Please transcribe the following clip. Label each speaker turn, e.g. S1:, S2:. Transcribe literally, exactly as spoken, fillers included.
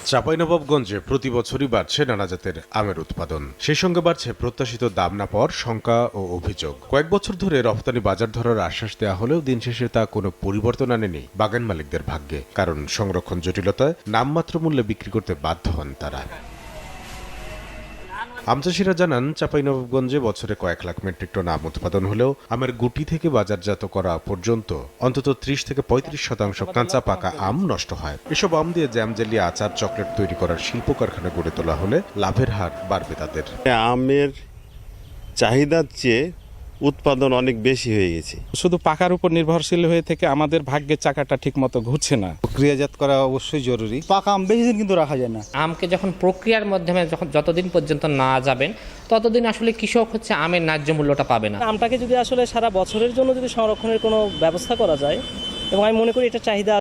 S1: চাঁপাইনবাবগঞ্জে প্রতি বছরই বাড়ছে নানা জাতের আমের উৎপাদন, সেই সঙ্গে বাড়ছে প্রত্যাশিত দাম না পাওয়ার শঙ্কা ও অভিযোগ। কয়েক বছর ধরে রফতানি বাজার ধরার আশ্বাস দেওয়া হলেও দিন শেষে তা কোনো পরিবর্তন আনেনি বাগান মালিকদের ভাগ্যে, কারণ সংরক্ষণ জটিলতায় নামমাত্র মূল্যে বিক্রি করতে বাধ্য হন তারা। আম চাষিরা জানান, চাঁপাইনবাবগঞ্জে বছরে কয়েক লাখ মেট্রিক টন আম উৎপাদন হলেও আমের গুটি থেকে বাজারজাত করা পর্যন্ত অন্তত ত্রিশ থেকে পঁয়ত্রিশ শতাংশ কাঁচা পাকা আম নষ্ট হয়। এসব আম দিয়ে জ্যাম জেলি, আচার, চকলেট তৈরি করার শিল্প কারখানা গড়ে তোলা হলে লাভের হার বাড়বে তাদের।
S2: আমের চাহিদার চেয়ে উৎপাদন অনেক বেশি হয়ে গেছে।
S3: শুধু পাকার উপর নির্ভরশীল হয়ে থেকে আমাদের ভাগ্যের চাকাটা ঠিক মতো ঘুরছে না।
S4: প্রক্রিয়াজাত করা অবশ্যই জরুরি। পাকা আম বেশি দিন কিন্তু রাখা যায় না।
S5: আমকে যখন প্রক্রিয়ার মাধ্যমে যখন যতদিন পর্যন্ত না যাবেন ততদিন আসলে কৃষক হচ্ছে আমের ন্যায্য মূল্যটা পাবে না।
S6: আমটাকে যদি আসলে সারা বছরের জন্য যদি সংরক্ষণের কোনো ব্যবস্থা করা যায়, এবং আমি মনে করি এটা চাহিদা